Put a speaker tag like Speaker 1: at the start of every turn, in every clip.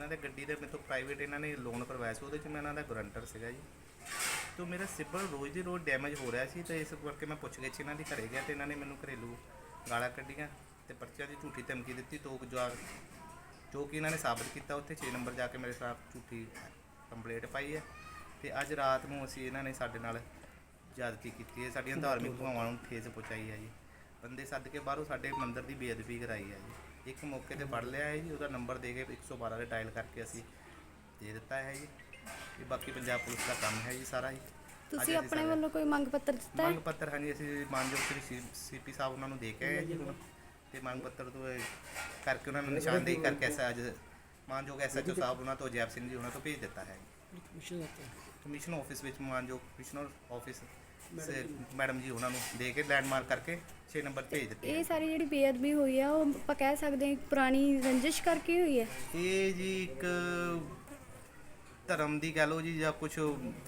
Speaker 1: ਇਹਨਾਂ ਦੇ ਗੱਡੀ ਦੇ ਮੇਰੇ ਤੋਂ ਪ੍ਰਾਈਵੇਟ ਇਹਨਾਂ ਨੇ ਲੋਨ ਕਰਵਾਇਆ ਸੀ, ਉਹਦੇ 'ਚ ਮੈਂ ਇਹਨਾਂ ਦਾ ਗਰੰਟਰ ਸੀਗਾ ਜੀ। ਤੋ ਮੇਰਾ ਸਿਬਲ ਰੋਜ਼ ਦੀ ਰੋਜ਼ ਡੈਮੇਜ ਹੋ ਰਿਹਾ ਸੀ, ਤੇ ਇਸ ਕਰਕੇ ਮੈਂ ਪੁੱਛ ਗਿੱਛ ਇਹਨਾਂ ਦੀ ਘਰੇ ਗਿਆ, ਤੇ ਇਹਨਾਂ ਨੇ ਮੈਨੂੰ ਘਰੇਲੂ ਗਾਲਾਂ ਕੱਢੀਆਂ ਤੇ ਪਰਚਿਆਂ ਦੀ ਝੂਠੀ ਧਮਕੀ ਦਿੱਤੀ। ਜੋ ਕਿ ਇਹਨਾਂ ਨੇ ਸਾਬਤ ਕੀਤਾ, ਉੱਥੇ 6 ਨੰਬਰ ਜਾ ਕੇ ਮੇਰੇ ਖਿਲਾਫ ਝੂਠੀ ਕੰਪਲੇਂਟ ਪਾਈ ਹੈ। ਤੇ ਅੱਜ ਰਾਤ ਨੂੰ ਅਸੀਂ ਇਹਨਾਂ ਨੇ ਸਾਡੇ ਨਾਲ ਜ਼ਿਆਦਤੀ ਕੀਤੀ ਹੈ, ਸਾਡੀਆਂ ਧਾਰਮਿਕ ਭਾਵਾਂ ਨੂੰ ਠੇਸ ਪਹੁੰਚਾਈ ਹੈ ਜੀ। ਬੰਦੇ ਸੱਦ ਕੇ ਬਾਹਰੋਂ ਸਾਡੇ ਮੰਦਿਰ ਦੀ ਬੇਅਦਬੀ ਕਰਾਈ ਹੈ ਜੀ। ਇੱਕ ਮੌਕੇ ਤੇ ਫੜ ਲਿਆ ਹੈ ਜੀ, ਉਹਦਾ ਨੰਬਰ ਦੇ ਕੇ 112 ਦੇ ਡਾਇਲ ਕਰਕੇ ਅਸੀਂ ਦੇ ਦਿੱਤਾ ਹੈ ਜੀ। ਇਹ ਬਾਕੀ ਪੰਜਾਬ ਪੁਲਿਸ ਦਾ ਕੰਮ ਹੈ ਜੀ ਸਾਰਾ ਜੀ।
Speaker 2: ਤੁਸੀਂ ਆਪਣੇ ਵੱਲੋਂ ਕੋਈ ਮੰਗ ਪੱਤਰ ਦਿੱਤਾ ਹੈ?
Speaker 1: ਮੰਗ ਪੱਤਰ ਹਾਂਜੀ ਅਸੀਂ ਮਾਨਯੋਗ ਸ੍ਰੀ ਸੀਪੀ ਸਾਹਿਬ ਉਹਨਾਂ ਨੂੰ ਦੇ ਕੇ ਆਏ ਜੀ ਹੁਣ, ਤੇ ਮੰਗ ਪੱਤਰ ਤੋਂ ਕਰਕੇ ਉਹਨਾਂ ਨੂੰ ਨਿਸ਼ਾਨਦੇਹੀ ਕਰਕੇ ਅੱਜ ਮਾਨਯੋਗ SHO ਸਾਹਿਬ ਉਹਨਾਂ ਤੋਂ ਜੈਪ ਸਿੰਘ ਜੀ ਉਹਨਾਂ ਤੋਂ ਭੇਜ ਦਿੱਤਾ ਹੈ। ਕਮਿਸ਼ਨ ਆਫਿਸ ਵਿੱਚ ਮਾਨਯੋਗ ਕਮਿਸ਼ਨਰ ਆਫਿਸ ਮੈਡਮ ਜੀ ਉਹਨਾਂ ਨੂੰ ਦੇ ਕੇ ਲੈਂਡਮਾਰਕ ਕਰਕੇ 6 ਨੰਬਰ ਭੇਜ ਦਿੱਤੇ।
Speaker 2: ਇਹ ਸਾਰੀ ਜਿਹੜੀ ਬੇਅਦਬੀ ਹੋਈ ਆ ਉਹ ਆਪਾਂ ਕਹਿ ਸਕਦੇ ਹਾਂ ਪੁਰਾਣੀ ਰੰਜਿਸ਼ ਕਰਕੇ ਹੋਈ ਹੈ?
Speaker 1: ਇਹ ਜੀ ਇੱਕ ਧਰਮ ਦੀ ਕਹਿ ਲਓ ਜੀ, ਜਾਂ ਕੁਛ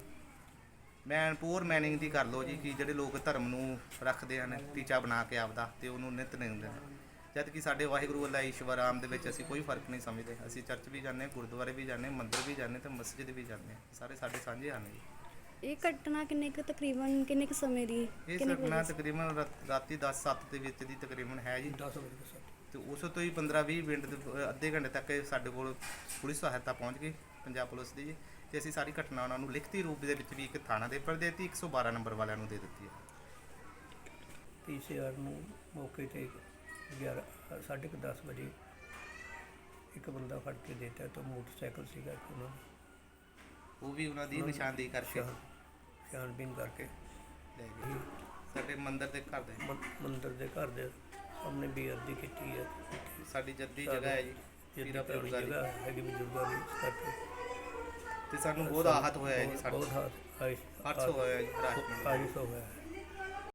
Speaker 1: ਪੂਰ ਮੈਨਿੰਗ ਦੀ ਕਰ ਲਓ ਜੀ, ਕਿ ਜਿਹੜੇ ਲੋਕ ਧਰਮ ਨੂੰ ਰੱਖਦੇ ਹਨ ਟੀਚਾ ਬਣਾ ਕੇ ਆਪਦਾ, ਤੇ ਉਹਨੂੰ ਨਿਤ ਨਿੰਦਦੇ ਨੇ, ਜਦ ਕਿ ਸਾਡੇ ਵਾਹਿਗੁਰੂ ਅੱਲਾ ਈਸ਼ਵਰ ਆਮ ਦੇ ਵਿੱਚ ਅਸੀਂ ਕੋਈ ਫਰਕ ਨਹੀਂ ਸਮਝਦੇ। ਅਸੀਂ ਚਰਚ ਵੀ ਜਾਂਦੇ, ਗੁਰਦੁਆਰੇ ਵੀ ਜਾਂਦੇ, ਮੰਦਿਰ ਵੀ ਜਾਂਦੇ ਤੇ ਮਸਜਿਦ ਵੀ ਜਾਂਦੇ, ਸਾਰੇ ਸਾਡੇ ਸਾਂਝੇ ਹਨ ਜੀ।
Speaker 2: ਇਹ ਘਟਨਾ ਤਕਰੀਬਨ ਕਿੰਨੇ ਕੁ ਸਮੇਂ ਦੀ?
Speaker 1: ਇਹ ਘਟਨਾ ਤਕਰੀਬਨ ਰਾਤੀ 10:07 ਦੇ ਵਿੱਚ ਦੀ ਤਕਰੀਬਨ ਹੈ ਜੀ। 10 ਵਜੇ ਤੇ ਉਸ ਤੋਂ ਹੀ 15-20 ਮਿੰਟ ਅੱਧੇ ਘੰਟੇ ਤੱਕ ਸਾਡੇ ਕੋਲ ਪੁਲਿਸ ਸਹਾਇਤਾ ਪਹੁੰਚ ਗਈ ਪੰਜਾਬ ਪੁਲਿਸ ਦੀ ਜੀ। ਤੇ ਅਸੀਂ ਸਾਰੀ ਘਟਨਾ ਉਹਨਾਂ ਨੂੰ ਲਿਖਤੀ ਰੂਪ ਦੇ ਵਿੱਚ ਵੀ ਇੱਕ ਥਾਣਾ ਦੇ ਉੱਪਰ ਦੇ ਦਿੱਤੀ, 112 ਨੰਬਰ ਵਾਲਿਆਂ ਨੂੰ ਦੇ ਦਿੱਤੀ ਹੈ।
Speaker 3: PCR ਨੂੰ ਮੌਕੇ 'ਤੇ 10:30 ਵਜੇ ਇੱਕ ਬੰਦਾ ਫੜ ਕੇ ਦਿੱਤਾ, ਤਾਂ ਮੋਟਰਸਾਈਕਲ ਸੀਗਾ ਇੱਕ ਉਹਨਾਂ ਦਾ,
Speaker 1: ਉਹ ਵੀ ਉਹਨਾਂ ਦੀ ਨਿਸ਼ਾਨਦੇਹੀ ਕਰਕੇ
Speaker 3: ਛਾਣਬੀਨ ਕਰਕੇ
Speaker 1: ਲੈ ਗਏ। ਸਾਡੇ ਮੰਦਿਰ ਦੇ ਘਰ ਦੇ ਸਾਹਮਣੇ ਬੇਅਦਬੀ ਕੀਤੀ ਹੈ। ਸਾਡੀ ਜੱਦੀ ਜਗ੍ਹਾ ਹੈ ਜੀ, ਪੀਰਾ ਬਜ਼ੁਰਗਾਂ ਦੀ
Speaker 3: ਹੈਗੀ, ਬਜ਼ੁਰਗਾਂ ਦੀ, ਇਸ ਕਰਕੇ
Speaker 1: ਤੇ ਸਾਨੂੰ ਬਹੁਤ ਆਹਤ ਹੋਇਆ ਹੈ ਜੀ।
Speaker 3: ਬਹੁਤ ਹਾਦਸਾ ਹੋਇਆ ਜੀ,
Speaker 1: ਹੋਇਆ ਜੀ।
Speaker 3: ਹਾਦਸਾ ਹੋਇਆ।